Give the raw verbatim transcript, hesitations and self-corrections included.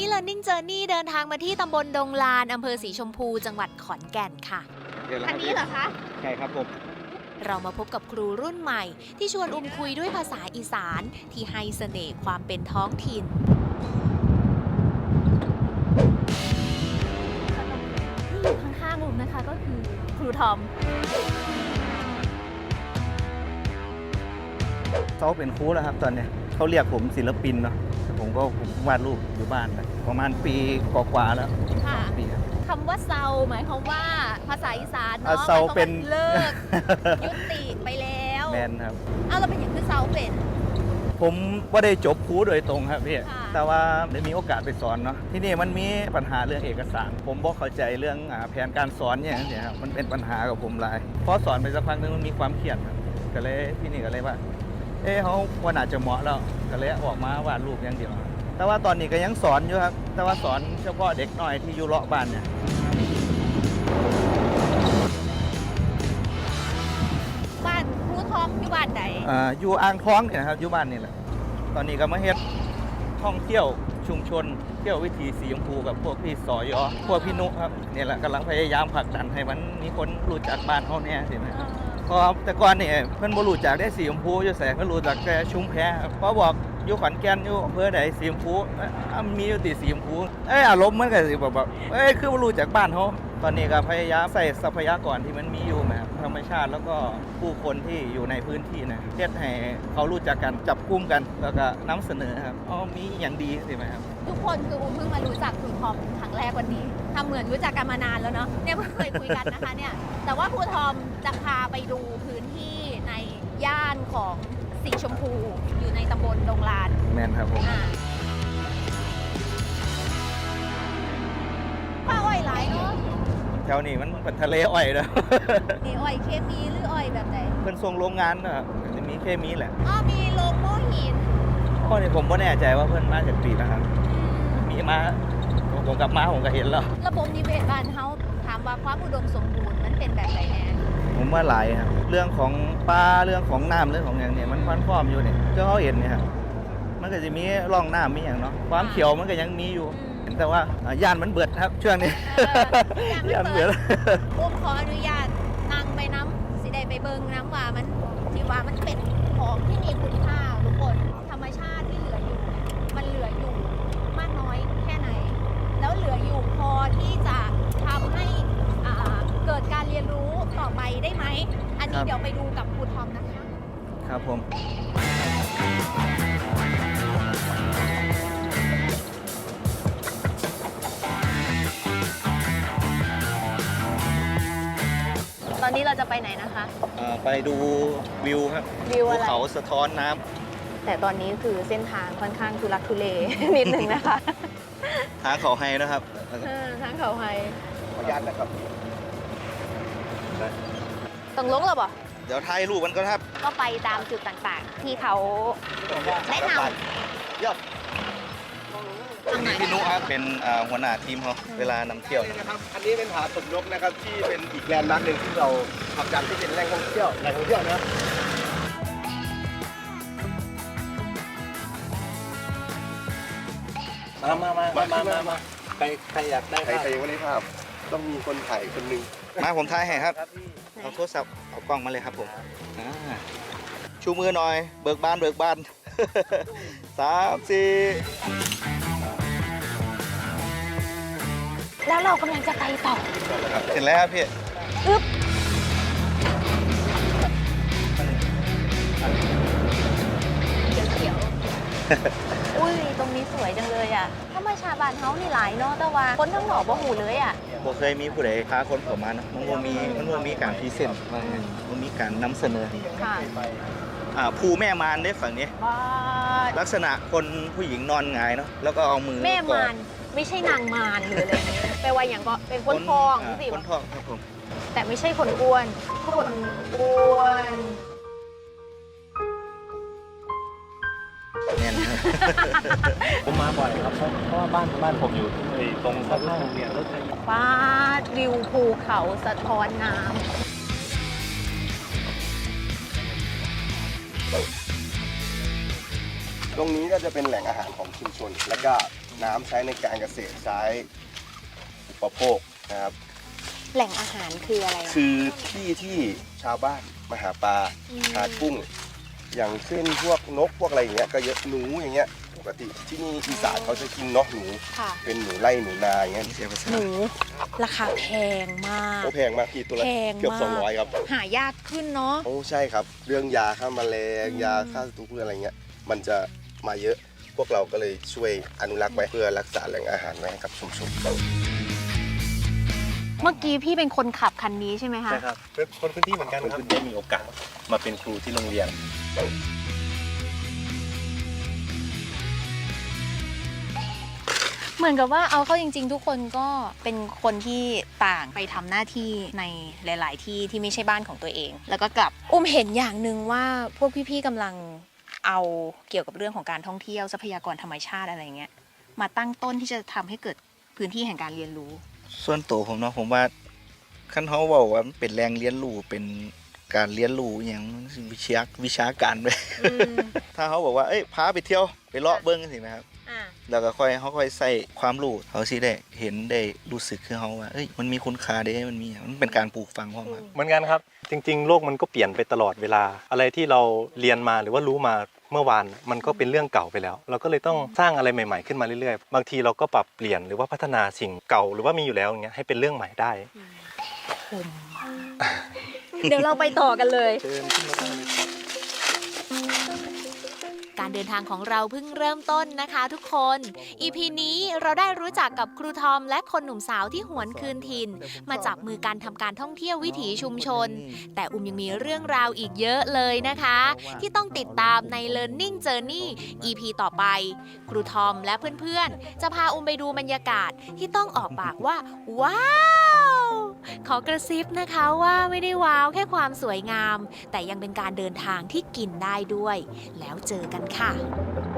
Learning Journey เดินทางมาที่ตำบลดงลานอำเภอสีชมพูจังหวัดขอนแก่นค่ะอันนี้เหรอคะใช่ครับผมเรามาพบกับครูรุ่นใหม่ที่ชวนอุ้มคุยด้วยภาษาอีสานที่ให้เสน่ห์ความเป็นท้องถิ่นที่อยู่ข้างๆอุ้มนะคะก็คือครูทอมเขาเป็นครูแล้วครับตอนนี้เขาเรียกผมศิลปินเนาะผมก็ผมวาดรูปอยู่บ้านไปประมาณปีกว่าๆแล้วค่ะปีครับคำว่าเซาหมายความว่าภาษาอีสานอ่ะเนาะเซาเป็นเลิก ยุติไปแล้วแมนครับอ้าวเราเป็นอย่างคือเซาเป็นผมว่าได้จบครูโดยตรงครับพี่ค่ะแต่ว่าได้มีโอกาสไปสอนเนาะที่นี่มันมีปัญหาเรื่องเอกสาร ผมบอกเข้าใจเรื่องอ่าแผนการสอนอย่างนี้ครับมันเป็นปัญหากับผมหลายพอสอนไปสักพักนึงมันมีความเครียดครับก็เลยที่นี่ก็เลยว่าเอ้เขาว่าน่าจะเหมาะแล้วก็เลยออกมาวาดรูปอย่างเดียวครับแต่ว่าตอนนี้ก็ยังสอนอยู่ครับแต่ว่าสอนเฉพาะเด็กน้อยที่อยู่เลาะบ้านเนี่ยบ้านครูทอมอยู่บ้านไหนอ่าอยู่อ่างทองเนี่ยนะครับอยู่บ้านนี่แหละตอนนี้ก็มาเฮ็ดท่องเที่ยวชุมชนเที่ยววิถีสีชมพูกับพวกพี่สอยอพวกพี่นุครับเนี่ยแหละกำลังพยายามผลักดันให้มันมีคนรู้จักบ้านเขาเนี่ยสินะเพราะแต่ก่อนเนี่ยเพิ่นบ่รู้จักได้สีชมพูอยู่แสงเพิ่นรู้จักแต่ชุมแพครับเพราะบอกอยู่ขอนแก่นอยู่อำเภอใดสีชมพูเอ้ยอ่ะมีอยู่ติสีชมพูเอ้ยอารมณ์มันก็สิแบบแบบเอ้ยคือบ่รู้จักบ้านเขาตอนนี้ก็พยายามใส่ทรัพยากรที่มันมีอยู่นะครับธรรมชาติแล้วก็ผู้คนที่อยู่ในพื้นที่นะเฮ็ดให้เขารู้จักกันจับกลุ่มกันแล้วก็นำเสนอครับอ๋อมีอย่างดีใช่ไหมครับทุกคนคืออุ้มเพิ่งมารู้จักครูทอมครั้งแรกวันนี้ทำเหมือนรู้จักกันมานานแล้วเนาะเนี่ยเพิ่งเคยคุยกันนะคะเนี่ยแต่ว่าครูทอมจะพาไปดูพื้นที่ในย่านของสีชมพูอยู่ในตำบลดงลานแมนครับผมอ่าป้าอ้อยหลายเนาะแถวนี้มันเป็นทะเลอ้อยนะนี่อ้อยเคมีหรืออ้อยแบบไหนเพิ่นส่งโรงงานนะครับจะมีเคมีแหละอ๋อมีโรงโม่หินข้อนี้ผมก็แน่ใจว่าเพิ่นมาจากปีนะครับ มีมาผมกลับมาผมก็เห็นแล้วระบบนิเวศบ้านเฮาถามว่าความอุดมสมบูรณ์มันเป็นแบบไหนแน่ผมว่าหลายครับเรื่องของปลาเรื่องของน้ำเรื่องของอย่างเนี้ยมันมันพร้อมอยู่เนี่ยก็เขาเห็นเนี่ยครับมันก็จะมีร่องน้ำมีอย่างเนาะความเขียวมันก็ยังมีอยู่แต่ว่าอ่าย่านมันเบิดครับช่วงนี้ ย่านเบิดอุ้มขออนุญาตนั่งไปน้ำสิได้ไปเบิ่งน้ำว่ามันที่ว่ามันเป็นของที่มีคุณค่าทุกคนธรรมชาติที่เหลืออยู่เนี่ยมันเหลืออยู่มากน้อยแค่ไหน แล้วเหลืออยู่พอที่จะทำให้อ่าเกิดการเรียนรู้ต่อไปได้ไหมอันนี้เดี๋ยวไปดูกับครูทอมนะคะครับผมตอนนี้เราจะไปไหนนะคะเอ่อไปดูวิวครับวิวอะไรภูเขาสะท้อนน้ำแต่ตอนนี้คือเส้นทางค่อนข้างทุลักทุเล นิดหนึ่งนะคะทางเขาให้นะครับเออทางเขาไฮขออนุญาตนะครับต้องลงหรอเปล่าเดี๋ยวถ่ายรูปมันก็ครับก็ไปตามจุดต่างๆ ที่เขาแนะนยอดพี่นุครับเป็นอ่าหัวหน้าทีมเขาเวลานำเที่ยวนี่นะครับ อันนี้เป็นผาสมนกนะครับที่เป็นอีกแลนด์มาร์คหนึ่งที่เราผลักดันที่เป็นแหล่งท่องเที่ยวแหล่งท่องเที่ยวนะมามามามามามามาใครใครอยากได้ใครภาพใครยังไม่ได้ภาพ ต้องมีคนถ่ายคนหนึ่งมาผมถ่ายให้ครับครับพี่เอาโทรศัพท์เอากล้องมาเลยครับผมอ่าชูมือหน่อย เบิกบานเบิกบาน สามสี่ำแล้วเรากำลังจะไปต่อเสร็จแล้วครับพี่อึ๊บเขียวๆ อุ้ยตรงนี้สวยจังเลยอ่ะธรรมชาติบ้านเฮานี่หลายเนาะแต่ว่าคนทั้งหนอกบ่หูเลยอ่ะผมเคยมีผู้ใดพาคนผมมานะมันบ่มีมันบ่มีการพรีเซนต์ว่าไงมันมีการนำเสนอค่ะอ่าภูแม่มารได้ฝั่งนี้ว้าลักษณะคนผู้หญิงนอนหงายเนาะแล้วก็เอามือแม่กอมาดนไม่ใช่นางมารหรืออะไรอย่างเงี้ยแปลว่าอย่างก็เป็นคนทองาสิคนทองครับผมแต่ไม่ใช่คนอ้วน คนอ้วนแน่นครับผมมาบ่อยครับเพราะเพราะว่าบ้านบ้านผมอยู่ที่ตรงข้างๆโรงเรียนรถไฟฟ้าวิวภูเขาสะท้อนน้ำตรงนี้ก็จะเป็นแหล่งอาหารของชุมชน แล้วก็น้ำใช้ในการเกษตรใช้อุปโภคนะครับแหล่งอาหารคืออะไรอะคือที่ที่ชาวบ้านมาหาปลาอืมหากุ้ง อย่างเช่นพวกนกพวกอะไรอย่างเงี้ยก็เยอะหนูอย่างเงี้ยปกติที่นี่อีสานเขาจะกินเนาะหนูค่ะเป็นหนูไล่หนูนาอย่างเงี้ยหนูราคาแพงมากโอ้แพงมากพี่ตัวละแพงเกือบมากสองร้อยครับหายากขึ้นเนาะโอ้ใช่ครับ เรื่องยาฆ่าแมลงอืมยาฆ่าศัตรูพืชอะไรเงี้ยมันจะมาเยอะพวกเราก็เลยช่วยอนุรักษ์ไว้เพื่อรักษาแหล่งอาหารไว้ให้กับชุมชนเมื่อกี้พี่เป็นคนขับคันนี้ใช่ไหมคะใช่ครับเป็นคนพื้นที่เหมือนกันครับได้มีโอกาสมาเป็นครูที่โรงเรียนเหมือนกับว่าเอาเข้าจริงๆ ทุกคนก็เป็นคนที่ต่างไปทำหน้าที่ในหลาย ๆ ที่ที่ไม่ใช่บ้านของตัวเอง แล้วก็กลับอุ้มเห็นอย่างหนึ่งว่าพวกพี่ๆกำลังเอาเกี่ยวกับเรื่องของการท่องเที่ยวทรัพยากรธรรมชาติอะไรเงี้ยมาตั้งต้นที่จะทำให้เกิดพื้นที่แห่งการเรียนรู้ส่วนตัวผมเนาะผมว่าคันเขาบอกว่ามันเป็นแรงเรียนรู้เป็นการเรียนรู้อหย่างวิชาวิชาการไป ถ้าเขาบอกว่าเอ้ยพาไปเที่ยวไปเลาะเบิ้งสินะครับ แล้วก็ค่อยเขาค่อยใส่ความรู้เขาสิได้เห็นได้รู้สึกคือเขาว่าเอ้ยมันมีคุณค่าเด้มันมีมันเป็นการปลูกฝังความครับเหมือนกันครับ จริง ๆ โลกมันก็เปลี่ยนไปตลอดเวลา อะไรที่เราเรียนมาหรือว่ารู้มาเมื่อวานมันก็เป็นเรื่องเก่าไปแล้ว เราก็เลยต้องสร้างอะไรใหม่ ๆขึ้นมาเรื่อยๆบางทีเราก็ปรับเปลี่ยนหรือว่าพัฒนาสิ่งเก่าหรือว่ามีอยู่แล้วอย่างเงี้ยให้เป็นเรื่องใหม่ได้เดี๋ยวเราไปต่อกันเลยการเดินทางของเราเพิ่งเริ่มต้นนะคะทุกคน อี พี นี้เราได้รู้จักกับครูทอมและคนหนุ่มสาวที่หวนคืนถิ่น มาจับมือกันทำการท่องเที่ยววิถีชุมชน แต่อุ้มยังมีเรื่องราวอีกเยอะเลยนะคะ ที่ต้องติดตามใน Learning Journey อี พี ต่อไป ครูทอมและเพื่อนๆ จะพาอุ้มไปดูบรรยากาศที่ต้องออกปากว่า ว้าว ขอกระซิบนะคะว่าไม่ได้ว้าวแค่ความสวยงาม แต่ยังเป็นการเดินทางที่กินได้ด้วย แล้วเจอกันค่ะ